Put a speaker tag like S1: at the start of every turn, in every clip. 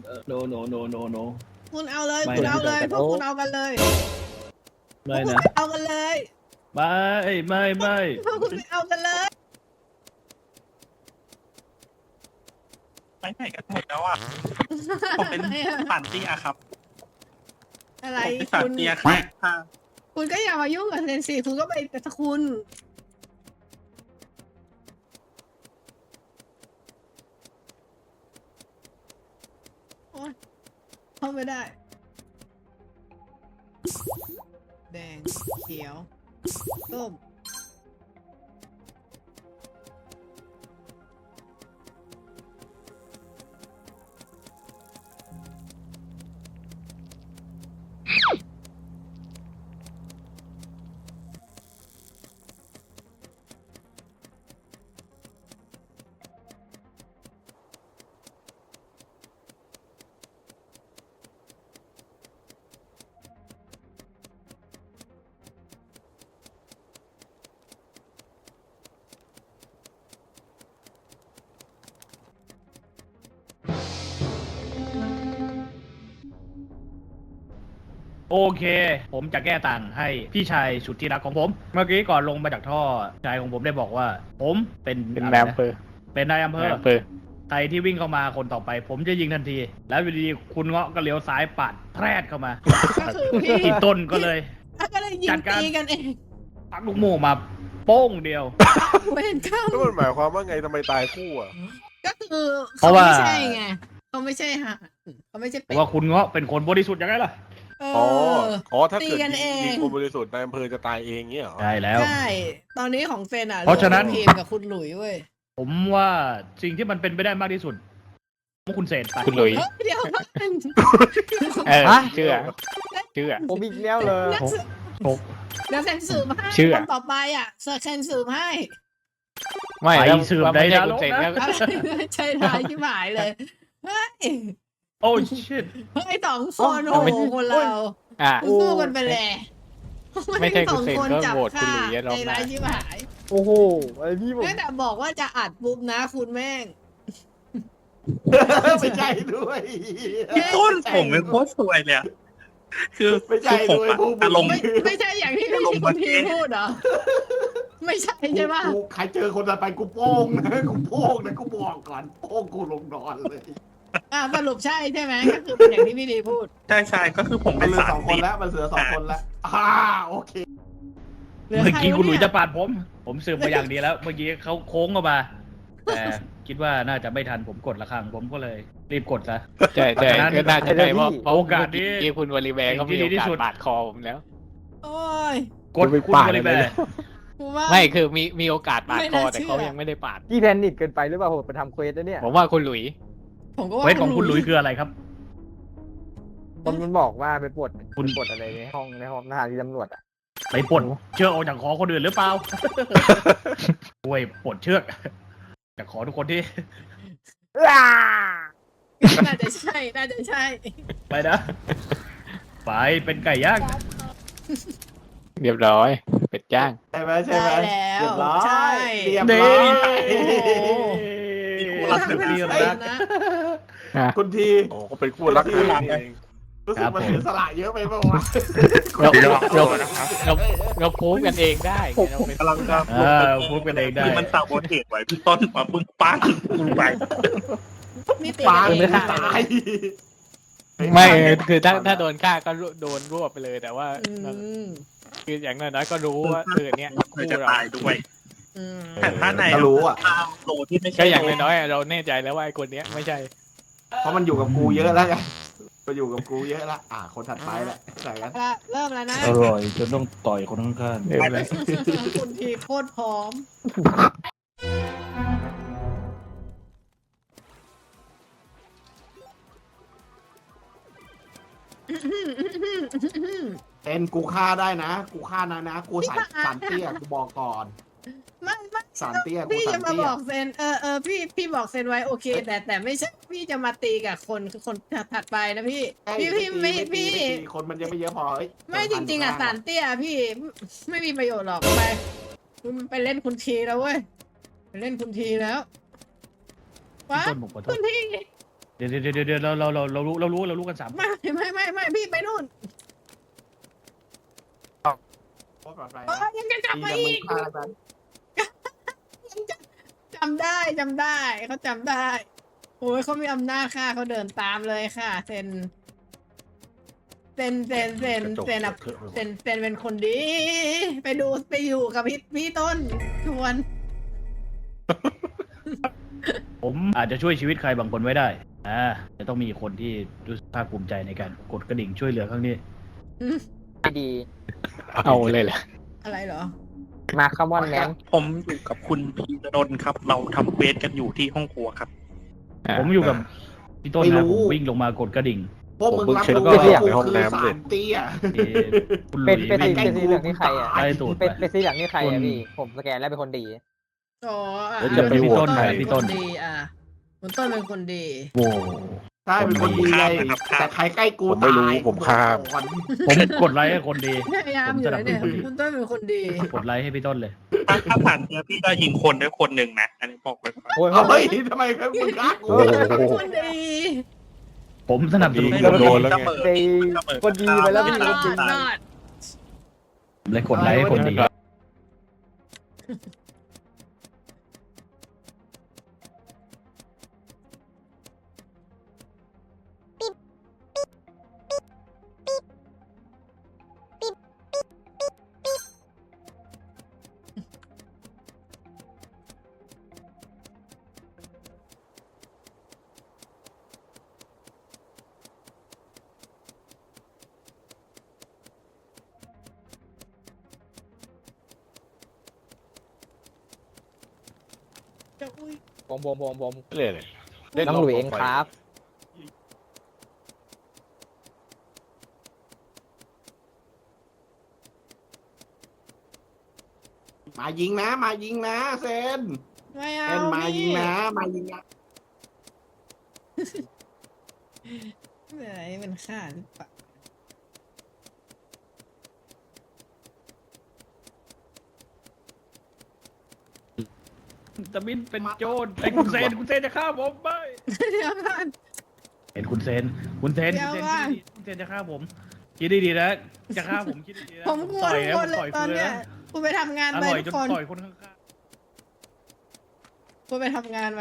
S1: no
S2: คุณเอาเลย
S1: ไม่
S2: คุณเอาเลย
S1: ไม่
S2: พวกคุณเอากันเลย
S1: ไม่นะ
S2: เอากันเลย
S1: ไม่
S2: พวกคุณไปเอากันเลย
S3: ไปไหนกันหมดแล้วอ่ะผมเป็นสันเตี้ยครับ
S2: อะไร
S3: ผมเป็นสัน
S2: คุณ
S3: เตี้ยครับ
S2: คุณก็อย่ามายุ่งกับเซนซีคุณก็ไปแต่คุณโอ๊ยเข้าไม่ได้ แดง เขียว ส้ม
S1: โอเค ผมจะแก้ต่างให้พี่ชายสุดที่รักของผม เมื่อกี้ก่อนลงมาจากท่อชายของผมได้บอกว่า ผมเป็น
S4: เป็น
S1: อะไร
S4: นาย
S1: นะ
S4: อำเภอ
S1: เป็นนายอำเภอ
S4: นายอำเภอ
S1: ใครที่วิ่งเข้ามาคนต่อไป ผมจะยิงทันที แล้วอยู่ดีๆคุณเงาะก็เลี้ยวซ้ายปาดแพรดเข้ามา
S2: ก็คือพี่
S1: อีต้นก็เลย
S2: ก็เลยยิ
S1: จั
S2: ง
S1: ดการ
S2: ตีกันเอง
S1: ปักลูกโม่มาโป้งเดียว
S2: เวรกรรม
S5: แล้วมันหมายความว่าไงทำไมตายคู่อ่ะ
S2: ก็คือ
S1: เพราะว่า
S2: ไม่ใช่ไงเขาไม่ใช่ฮะเขาไม่ใช่
S1: เพ
S2: เป็ด
S1: ราะว่าคุณเงาะเป็นคนบริสุทธิ์ยังไงล่ะ
S2: เอ
S5: อ๋อ
S2: อ
S5: อ๋อ ถ้าเกิด
S2: ตีกันเอง
S5: ยิงคนบริสุทธิ์นายอำเภอจะตายเองเงี้ยเหรอ
S1: ใช่แล้ว
S2: ใช่ ตอนนี้ของเซนอ่ะ
S1: เพราะฉะนั้น
S2: ทีมกับคุณหลุยเว้ย
S1: ผมว่าสิ่งที่มันเป็นไปได้มากที่สุดว่าคุณเสร็จไป
S4: คุณหลุย
S2: เฮ้ยเดี๋ยว
S4: เออ
S1: ฮะ
S4: เชื่อเ
S6: ผมอีกแล้วเลย
S2: นักสืบ
S1: ผม
S2: เดี๋ยวเซนสืบให้
S4: เชื่อ
S2: คนต่อไปอ่ะเซนสืบให้
S4: ไม่
S1: ไป
S4: แล้ว
S1: สืบ
S4: ไม่
S1: ใน
S4: ใช่
S1: นร
S4: คุณ
S1: ก
S4: เซน
S1: นะ
S4: ก็
S2: ใช่ท้ายที่หมายเลยเฮ้ย
S1: โอ้ชิต
S2: เฮ้ยสองคน
S4: อ๋
S2: โอ้
S4: อไม่
S2: โหคนเรา
S4: อ่ะ
S2: สู้กันไปเลย
S4: ไม่ใช่คุณเซน
S2: สอง
S4: ก็
S2: จับ
S4: โหวตคุณหลุยอะรอบ
S2: ใน
S4: หน้า
S2: ร้ายที่หาย
S6: โอ้โหไอพี่ผม
S2: ตั้งแต่บอกว่าจะอัดปุ๊บนะคุณแม่ง
S7: ไม่ใช่ด้วย
S3: พี่ต้นผมเป็นโคตรสวยเลยอะคือ
S7: ไม่ใช่
S3: คือผม
S7: ด้วย
S3: อะ
S7: พวกมึง
S3: อารมณ์
S2: ไม่ใช่อย่างที่พี่คุณทีพูดเหรอ ไม่ใช่ใช่ป่ะ
S7: กูใครเจอคนต่อไปกูโป้งนะกูโป้งนะกูบอกก่อนโป้งกูลงนอนเลย
S2: สรุปใช่ใช่ไหมก็คือเป็นอย่างที่พี่ดีพูด
S3: ใช่ก็คือผม
S7: มั
S3: เป็น น
S7: เหลือ
S3: สา
S7: ส
S3: ร
S7: องค
S3: เตี้
S7: น
S3: ย
S7: แล้วมันเหลือสองคนแล้วโอเค
S2: หลื
S1: เมื่อกี้
S2: ใร
S1: คุณหลุย
S2: เนี่
S1: จะปาดผม ผมสืบมาอย่างดีแล้ว เมื่อกี้เขาโค้งเข้ามา แต่คิดว่าน่าจะไม่ทันผมกดละครั้งผมก็เลยรีบกดซะ
S4: ใช่ใช่ก็น่าจะได้เพราะ
S1: โอกาสนี้
S4: ที่คุณวอลิแวร์เขามี
S1: ที่ดี
S4: โอ
S1: ที่
S4: กาส
S1: สุด
S4: บาดคอผมแล้ว
S2: โอ้ย
S1: กดคุณบริแบร์
S2: กูว่า
S4: ไม่คือมีโอกาสบาดคอ
S2: ไม่น่า
S4: แต่
S2: เชื่อ
S4: เขายังไม่ได้ปาด
S6: พี่แพนิคเกินไปหรือเปล่าผมไปทำเควสแล้วเนี่ย
S4: ผมว่าคุณหลุย
S2: ผมก็ว่า
S1: เควสของคุณหลุยคืออะไรครับ
S6: มันบอกว่าไปปลด
S1: คุณ
S6: ปลดอะไรในห้องสถานีตำรวจอ่ะ
S1: ไปปลดเชือกออกจากคอคนอื่นหรือเปล่า ช่วยปลดเชือกจากคอทุกคนที่
S2: น่าจะใช่น่าจะใช่
S1: ไปนะ ไปเป็นไก่ย่าง
S4: เรียบร้อยเป็ดย่าง
S7: ใช่ไหมใช่ไหม
S2: ได้แล้ว
S7: เรียบร้อย
S2: ใช่
S7: เรียบ
S1: เด้
S7: ร้อย
S1: รักเดียวรัก
S2: นะ
S7: คุณที
S5: โอ้เขาเป็นคู่รักกันเอง
S7: รู้สึกมันเสียสละเยอะไปเปล่าวะ
S4: เราพูดกันเองได้ไงเราเป็น
S3: กำลังจะ
S1: พูดกันเองได้
S3: คือมันสาวโบเทตไว้พี่ต้นมาปึ้งปังกูไป
S2: นี่ตี
S7: ปา
S2: กันเอง
S7: ตาย
S4: ไม่คือถ้าโดนฆ่าก็โดนรวบไปเลยแต่ว่า
S2: อืม
S4: คืออย่างน้อยๆก็รู้ว่าเนี่ย
S3: เค
S4: คู่
S3: ยจะ
S4: เรา
S3: ตายด้วย
S2: อืม
S3: แต่ถ้าใน
S7: ก็รู้อ่ะ
S3: โลที่ไม่ใช่
S4: ก็อย่างน้อยๆเราแน่ใจแล้วว่าไอ้คนเนี้ยไม่ใช่
S7: เพราะมันอยู่กับกูเยอะแล้วไงมันอยู่กับกูเยอะแล้วคนถัดไปแหละใส่กัน
S2: เริ่มแล้วนะ
S1: อร่อยจนต้องต่อยคนข้าง
S4: เริ่มเลย
S2: คุณทีโคตรพร้อม
S7: เป็นกูฆ่าได้นะ กูฆ่านะกูใส่สารเตี้ยกูบอกก่อน
S2: ไม่
S7: สารเตี้ยกู
S2: พี่
S7: สา
S2: จะ
S7: ร
S2: มา
S7: เตี้
S2: บ
S7: ย
S2: อกเซนพี่บอกเซนไว้โอเค แต่ไม่ใช่พี่จะมาตีกับคนถัดไปนะพี่พี่
S7: คนมันยังไม่เยอะพอเฮ้ย
S2: ไม่จริงๆอ่ะสารเตี้ยพี่ไม่มีประโยชน์หรอกไปคุณไปเล่นคุณทีแล้วเว้ยไปเล่นคุณทีแล้ว
S1: ๆ
S2: วะ
S1: ต้นผมขอโท
S2: คุ
S1: ษ
S2: ณที
S1: เดี๋ยวเรารู้กันสาม
S2: ไม่พี่ไปนู่น
S7: โคตรปลอดภัย
S2: เอ
S7: นะ
S2: อยังจะกลับมา
S7: ดี
S2: อีก
S7: นะมึงฆ่ากัน
S2: จำได้เขาจำได้โอ้ยเขามีอำนาจค่ะเขาเดินตามเลยค่ะเซนอะเซนเป็นคนดี ไปอยู่กับพี่ต้นทวน
S1: ผมอาจจะช่วยชีวิตใครบางคนไว้ได้จะต้องมีคนที่รู้สึกภาคภูมิใจในการกดกระดิ่งช่วยเหลือครั้งนี้
S6: ไม่ดี
S4: เอาเลยเหรอ
S2: อะไรเหรอ
S6: มาคัมอนแมน
S3: ผมอยู่กับคุณพีระดลครับ เราทำเควสกันอยู่ที่ห้องครัวครับ
S1: ผมอยู่กับพี่ต้นนะผมวิ่งลงมากดกระดิ่ง
S7: พวกมึงรับ
S5: ผม
S7: รู้
S5: เพิ่งเช็ค
S7: ว่า
S5: ในห้อง
S7: กูคือ
S5: น้ำ
S7: สา
S5: เลย
S7: รเตี้ย
S1: คุณหลุ
S6: เป็น
S1: ย
S6: เป็น
S1: วิ่ง
S6: สีเหลืองนี่ใครอ่ะ
S1: ไล่ตูด
S6: เป็น
S1: ไป
S6: เป็นสีเหลืองนี่ใครอ่ะพี่ผมสแกนแล้วเป็นคนดี
S2: อ๋อ
S1: แล้วจะไปโหวตใครพี่ต้น
S2: ดีคุณต้นเป็นคนดี
S1: โว้
S7: ใช่เป็นคนดีไง
S3: ครับ
S7: แต่ใครใกล้กู
S5: ผมไม่รู้
S7: ตาย
S5: ผมข้าม
S7: ก่อน
S1: ผมกดไลค์ให้คนดี
S2: พยายามอยู่แล้วเนี่ยคุณต้นเป็นคนดี
S1: กดไลค์ให้พี่ต้นเลย
S3: ถ้าผ่านเจอพี่ก็ยิงคนด้วยคนหนึ่งนะ อันนี้บอกไว้ก่อน
S6: โอ้ย
S7: เฮ้ยทำไมมึงฆ่ากู
S5: โอ้โห
S2: คนดี
S1: ผมสนับสนุน
S5: เกือบโดนแล้วไง
S6: ไปคนดีไปแล้วพี่
S2: ร
S6: คน
S2: อ
S6: ดี
S2: ดรอด
S1: เลยกดไลค์ให้คนดี
S2: จะอุ้ย
S6: ผม
S5: เลยเลย
S6: น้องหลุยเองครับ
S7: มายิงนะมายิงนะเซน
S2: ไม่
S7: เซ
S2: เอา
S7: นมายิงนะมายิงนะ
S2: ไหนมันฆ่าหรือเปล่า
S1: ตะมินเป็นโจรไอ้คุณเซนจะฆ่าผมไม่
S2: เดี๋ยวก่อน
S1: เห็นคุณเซนคุณเซนจะฆ่าผมคิดดีๆนะจะฆ่าผมคิดดีๆนะ
S2: ผมกลัว
S1: ต่อย
S2: ทุก
S1: แล้ว
S2: คนเลย
S1: ต่อย
S2: ตอน
S1: คืน
S2: เนี้ย
S1: นะ
S2: คุณไปทำงาน
S1: อ
S2: ไป
S1: ร่อยจ
S2: ทุ
S1: น
S2: กคน
S1: ต่อยคนข้าง
S2: คุณไปทำงานไหม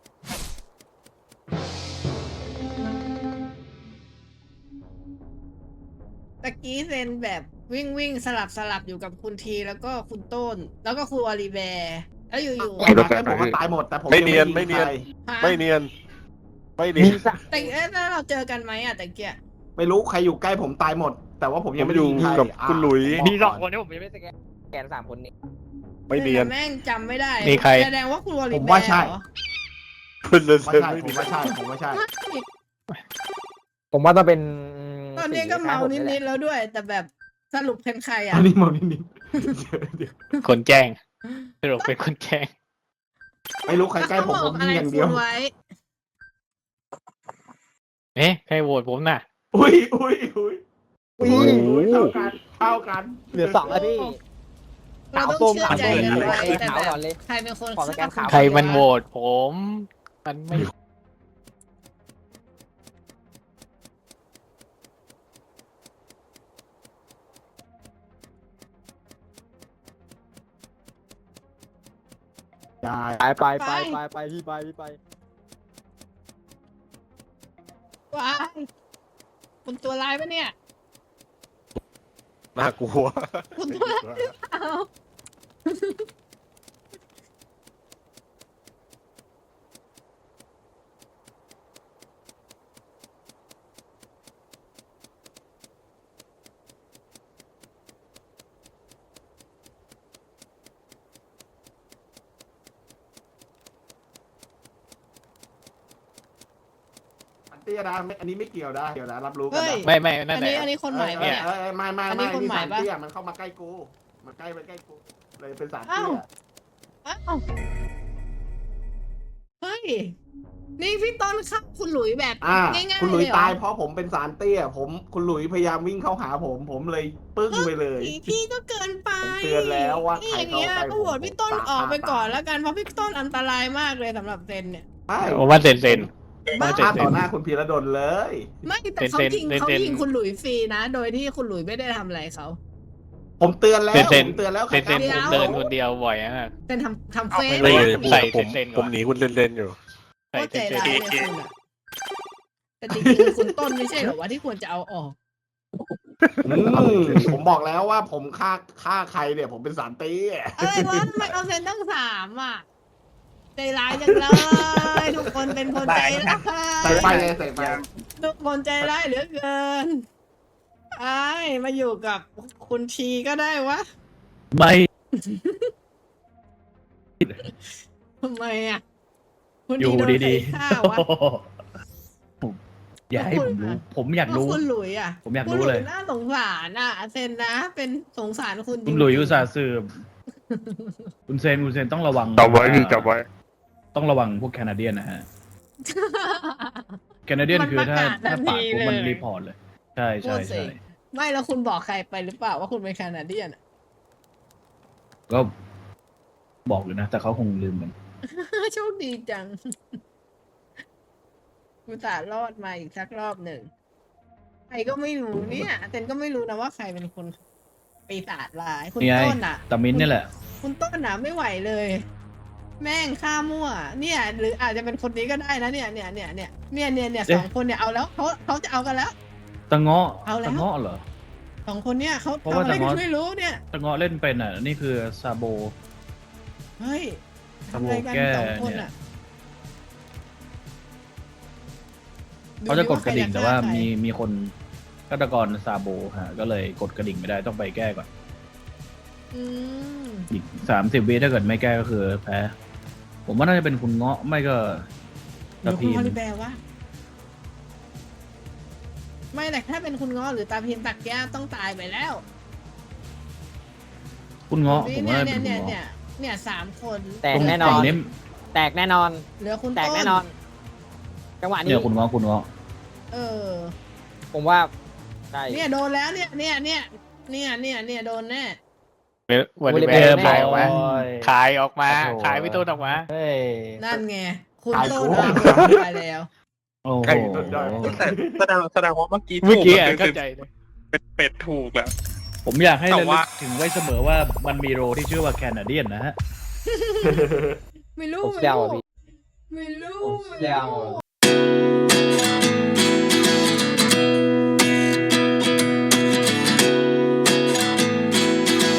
S2: ตะกี้เซนแบบวิ่งสลับอยู่กับคุณทีแล้วก็คุณต้น แล้วก็คุณอลิแบร์แล้วอยู่
S7: ไอ้มาแค่ผมก็ตายหมดแต่ผม
S5: ไม่เนียน
S7: ง
S5: ไม่เนียน
S7: ใคร
S2: ๆฮะ
S5: ไม่เนียน ไม่เนีย
S6: มี
S5: น
S6: สัก
S2: แต่แล้วเราเจอกันไหมอ่ะตะเกีย
S7: ไม่รู้ใครอยู่ใกล้ผมตายหมด แต่ว่าผมยังไม่ได้ยิงใคร
S5: ผมอยู่กับคุณหลุย
S6: มีสองคนที่ผมยังไม่สแกน3 คนนี่
S5: ไม่เนียน
S2: แม่งจำไม่ได้
S4: มีใคร
S2: แสดงว่าคุณอลิ
S7: ผม
S2: แบ
S7: ว่า
S2: ร์
S7: ใช่
S2: เหรอ
S5: คุณเลน
S7: ว่า
S5: เซน
S7: ใช่
S5: ไม่
S7: ผม
S5: เนีย
S7: ว่าน ใช่ผมว่าใช่
S6: ผมว่าต้องเป็น
S2: ตอนนี้ก็เมานิดๆแล้วด้วย แต่แบบสรุปเป็นใครอ่ะ
S7: อันนี้มองนิด
S4: คนแจ้งสรุปเป็นคนแจ้ง
S7: ๆไม่รู้ใครใกล้ผมผมยิงอย่างเดียว
S2: คุณไว้
S4: เอ๊ะใครโหวตผมน่ะ
S7: อุ้ย
S6: อุ้
S7: เท่ากัน
S6: เหลือ2แล้วพี่
S2: เราต้องเชื่อใจกันไว้แต่
S6: ขาว
S2: แบ
S6: ก่อบ นเลย
S2: ใครเป็นคน
S6: ขอสแกนขาว
S4: ใครมันโหวตผม มันไม่
S7: ได้
S6: ไปพี่ไป
S2: ว้ายคุณตัวร้ายปะเนี่ย
S5: น่ากลัว
S2: คุณตัวร้ายหรือเปล่า
S7: เตี้ยนะอันนี้ไม่เกี่ยวนะเกี่ยวนะรับรู้กัน
S2: เฮ้ย
S7: นะ
S4: ไม่นั่
S2: อั
S4: น
S2: น
S4: แหละ
S2: นี้อันนี้คนใหม่ปะเนี่ย
S7: ไม่
S2: อันนี้คนใหม่
S7: สาร
S2: ปะ
S7: เตี้ยมันเข้ามาใกล้กูมันใกล้กูเลยเป็นสารเตี้
S2: อ้าวย อ้าวเฮ้ย นี่พี่ต้นครับคุณหลุยแบบ ง่ายๆ
S7: คุณหลุย
S2: เลยเหรอ
S7: ตายเพราะผมเป็นสารเตี้ยคุณหลุยพยายามวิ่งเข้าหาผมเลยปึ้งไปเลย
S2: พี่ก็เกินไป
S7: ผมเตือนแล้วว่า
S2: นี่
S7: ใคร
S2: อย่างเงี้ย
S7: เข้าใกล้
S2: ก็โหวตพี่ต้น
S7: ผม
S2: ออกไปก่อน
S7: ตาย
S2: แล้วกันเพราะพี่ต้นอันตรายมากเลยสำหรับเซนเนี่ย
S7: ใช่
S4: ผมว่าเซน
S2: บ้า
S7: ฆ่าต่อหน้าคุณพีระดลเลย
S2: ไม่แต่เขายิงคุณหลุยฟรีนะ โดยที่คุณหลุยไม่ได้ทำอะไรเขา
S7: ผมเตือนแล้ว
S4: เซน
S7: ผมเตือนแล้ว
S4: เซน
S7: ครับ
S4: ผมเดินคนเดียวบ่อยอะ
S2: เป็นทำเฟซ
S5: ไม่
S2: นะ
S5: ผม
S4: ใส่
S5: ผม
S4: เซนๆก่อน
S5: ผมหนีคุณเล่นๆอยู่
S2: โคตรใจร้ายเลยคุณอะแต่จริงๆคุณต้นไม่ใช่เหรอวะที่ควรจะเอาออก
S7: ผมบอกแล้วว่าผมฆ่าใครเนี่ย ผมเป็นสารตี
S2: อะไรวะทำไมเอาเซนตั้ง3อ่ะใจร้ายจังเลยทุกคนเป็นคนใจร้าย
S7: ใส่ไฟเลยใส่ไฟ
S2: ทุกคนใจร้ายเหลือเกินไอ้มาอยู่กับคุณทีก็ได้วะ
S1: ไม่
S2: ทำไมอ่ะคุณ
S1: อยู่
S2: โน
S1: ดี
S2: ใครฆ่าวะ
S1: ๆผมอย่าให้ผมรู้ ผมอยาก
S2: แล้ว
S1: รู้
S2: คุณหลุยอ่ะ
S1: ผมอยาก
S2: คุณ
S1: รู้
S2: ห
S1: เล
S2: ลุ
S1: ย
S2: ยน่าสงสารอ่ะเซนนะ เป็นสงสารคุณจ
S1: คุ
S2: ริ
S1: ณ
S2: งๆ
S1: หลุยส์อุตส่าห์สืบคุณเซนต้องระวัง
S5: จับไว้พี่จับไว้
S1: ต้องระวังพวกแคนาเดียนนะฮะ แคนาเดียนคือถ้าปาดผมมันรีพอร์ตเลย ใช่ใช่ใช่
S2: ไม่แล้วคุณบอกใครไปหรือเปล่าว่าคุณเป็นแคนาเดียนอะ
S1: ก็บอกเลยนะ แต่เขาคงลืมมัน
S2: โชคดีจังกูตส่าห์รอดมาอีกสักรอบหนึ่งใครก็ไม่รู้เนี่ยเซนก็ไม่รู้นะว่าใครเป็นคนปีศาจร้ายคุณ
S1: นี่ไง
S2: ต้นอ่ะ
S1: ตามินนี่แหละ
S2: คุณต้นอ่ะไม่ไหวเลย แม่งฆ่ามั่ว เนี่ย หรืออาจจะเป็นคนนี้ก็ได้นะเนี่ยสองคนเนี่ยเอาแล้วเขาจะเอากันแล้ว
S1: ตะเงาะ
S2: เอาแล้ว
S1: ตะเงาะเหรอ
S2: สองคนเนี่ยเขา
S1: เพราะ
S2: ทำ
S1: ว่า
S2: อะไร
S1: ตะ
S2: กัน
S1: เงาะ
S2: ไม่รู้เนี่ย
S1: ตะเงาะเล่นเป็นอ่ะ นี่คือซาโบ
S2: เฮ้ย
S1: ซา
S2: ทำ
S1: โบ
S2: อะไรกัน
S1: แก้
S2: สองคน
S1: เนี่ย
S2: อ่ะ
S1: เขาจะกดกระดิ่งแต่ว่า
S2: ใคร
S1: มีคนฆาตกรซาโบฮะ ก็เลยกดกระดิ่งไม่ได้ต้องไปแก้ก่อน
S2: อืม
S1: อีก30 วิถ้าเกิดไม่แก้ก็คือแพ้ ผมว่าน่าจะเป็นคุณเงาะไม่ก็
S2: หรือ
S1: ตะ
S2: คุ
S1: พี
S2: ณ
S1: น
S2: ฮอลิแบร์วะไม่แต่ถ้าเป็นคุณง้อหรือตาพินตักแก้วต้องตายไปแล้ว
S1: คุณเงาะผมว่า
S2: เนี่
S1: เป็
S2: ย
S1: นคุณ
S2: เนี่ย
S1: เงาะ
S2: เนี่ย3 คน
S6: แตกแน่นอน
S1: ตรงนี้
S6: แตกแน่นอน
S2: เหลือคุณ
S6: แตก
S2: ต้น
S6: แน่นอน จังหวะนี้
S1: เนี่ยคุณเงาะคุณเงาะ
S2: เออ
S6: ผมว่าใช่
S2: เนี่ยโดนแล้วเนี่ยโดนแน่
S4: วันนี้
S6: แบ
S4: แม่
S6: ร์
S4: ขายออกมา
S1: โอ้ย
S4: ขายออกมา
S1: โอ้โห
S4: ขายพี่ต้นออกมา
S1: เฮ้ย
S2: นั่นไง คุณ
S7: ตาย
S2: ต้น
S7: คู่
S2: ตายแล้ว
S1: โอ้โห
S5: ใกล้สุดยอด
S3: แต่แสดงว่าเมื่อกี้
S4: เมื่อกี้
S3: ถู
S4: อะ
S3: คือ
S4: เข้าใจเลย
S3: เป็ดถูกแล้ว
S1: ผมอยากให้
S3: แต่
S1: ระลึ
S3: ว่า
S1: กถึงไว้เสมอว่ามันมีโรที่ชื่อว่าแคนาเดียนนะฮะ
S2: ไม่รู้
S6: ผมเดาอ่ะพี่
S2: ไม่รู้
S6: ผมเดา
S2: ไม่รู้